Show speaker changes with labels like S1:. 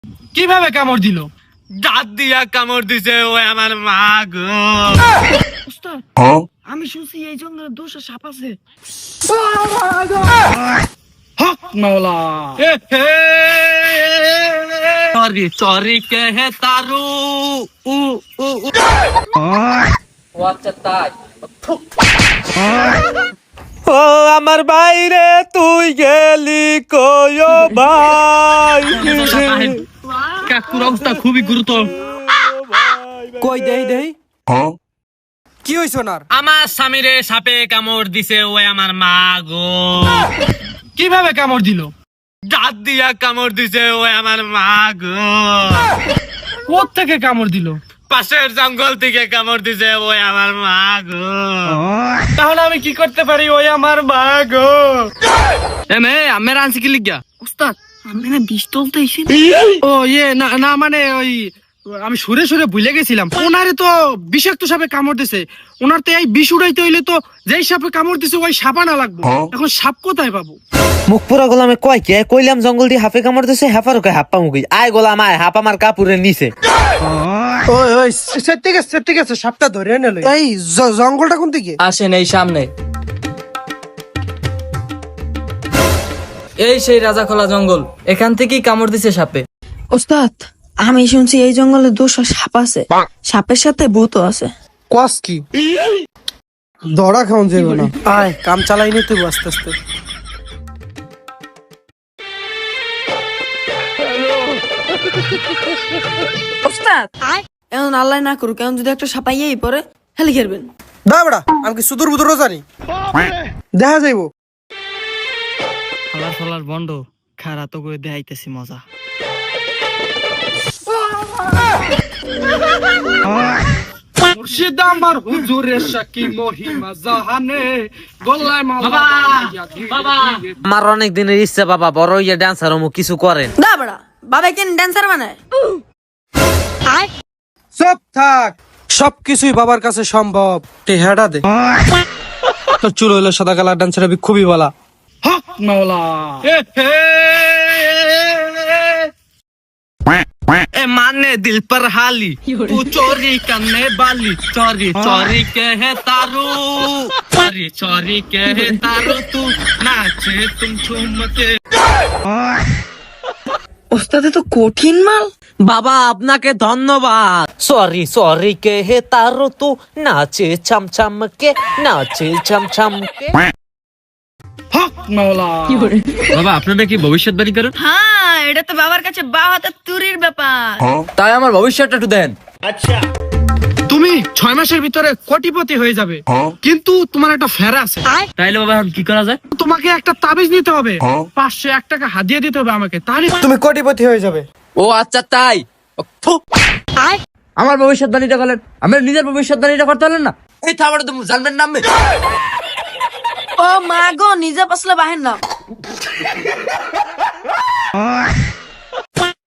S1: কিভাবে কামড় দিল?
S2: দাঁত দিয়া কামড় দিছে ওই আমার মা গো।
S1: ওস্তাদ, আমি শুনছি এই জঙ্গলে 200 সাপ আছে। হক মাওলা।
S2: সরি সরি কে তারু উ উ উ।
S3: ও আচ্ছা তাই।
S2: ও আমার বাইরে তুই গেলি কয়ো ভাই। কাকুর অবস্থা খুবই গুরুতর।
S1: কই দেই কি হইছ ওনার?
S2: আমার স্বামীরে সাপে কামড় দিছে ওই আমার মা গো।
S1: কিভাবে কামড় দিল?
S2: দাঁত দিয়া কামড় দিছে ওই আমার মা গো।
S1: কোথ থেকে কামড় দিল?
S2: পাশের জঙ্গল থেকে কামড় দিছে ওই আমার মা গো।
S1: তাহলে আমি কি করতে পারি? ওই আমার মা গো।
S2: আমার আনছি কি লিখা?
S1: ওস্তাদ, আমি না বিষ তুলতে এসে। ও না না, মানে ওই আমি সুরে সুরে ভুলে গেছিলাম। ওনারে তো বিষাক্ত সাপে কামড় দিছে। ওনার তো এই বিষ উড়াইতে হইলে তো যেই সাপে কামড় দিছে ওই সাপা না লাগবে। এখন সাপ কোথায় পাবো?
S4: মুখ পুরা গোলামে কয় কে কইলাম জঙ্গল দিয়ে হাফে কামড় দিছে হেফারও কে হাপ্পা মুখি আয় গোলাম আয় হাপ আমার কাপুরের নিচে।
S5: ওই সেট গেছে সাপটা ধরে নিল। এই জঙ্গলটা কোন দিকে?
S3: আসেন এই সামনে। এই সেই রাজাখোলা জঙ্গল, এখান থেকেই কামড় দিছে সাপে।
S6: ওস্তাদ, আমি শুনছি এই জঙ্গলে 200 সাপ আছে, সাপের সাথে ভূতও আছে।
S5: কস কি? ধরা খাওন যাবে না। আয় কাম চালাই নি তুই আস্তে আস্তে।
S6: ওস্তাদ, এখন আল্লাহ না করুক, এখন যদি একটা সাপাইয়াই পরে হেলে খেলবেন।
S5: দা বড়া, আমি কি সুদূর বুদূর জানি? দেখা যাইবো।
S1: ফালার ফালার বন্ড খারা তো করে দেখাইতেছি মজা। মুর্শিদ আমার হুজুরের সাকি মহিমা জাহানে গলায় মালা।
S2: বাবা
S4: আমার অনেক দিনের ইচ্ছা বাবা বড় ইয়ে ডান্সার অমুক কিছু করেন।
S6: দা বড়া, বাবা কেন ড্যান্সার বানায়?
S5: সব থাক, সবকিছুই বাবার কাছে সম্ভব। টেহাটা দে। তোর চুল হইলো সাদা কালার, ডান্সার হবে খুবই ভালো।
S1: হক মাওলা।
S2: ए माने दिल पर हाली तू चोरी करने वाली चोरी चोरी के है तारू चोरी चोरी के है तारू तू नाचे तुम झूम के।
S6: ওস্তাদে তো কঠিন মাল।
S4: বাবা আপনাকে ধন্যবাদ। সরি সরি কে হে তারো তু নাচে ছাম ছাম কে নাচে ছাম ছাম কে।
S1: হক মাওলা।
S2: বাবা আপনারা কি ভবিষ্যৎবাণী করেন?
S6: হ্যাঁ, এটা তো বাবার কাছে বা হাতে তুরির ব্যাপার।
S3: তাই আমার ভবিষ্যৎটা একটু দেন।
S1: তুমি 6 মাসের ভিতরে কোটিপতি হয়ে যাবে, কিন্তু তোমার একটা ফেরা আছে।
S2: তাইলে বাবা এখন কি করা যায়?
S1: তোমাকে একটা তাবিজ নিতে হবে, 501 টাকা হাদিয়া দিতে হবে আমাকে, তাহলে
S5: তুমি কোটিপতি হয়ে যাবে।
S3: ও আচ্ছা তাই। থু। আমার ভবিষ্যৎবাণীটা করলেন, আমার নিজের ভবিষ্যৎবাণীটা করতে পারলেন না। এই থামাটা তুমি জানবেন নামবে।
S6: ও মা গো, নিজে পাসলে বাহের নাম।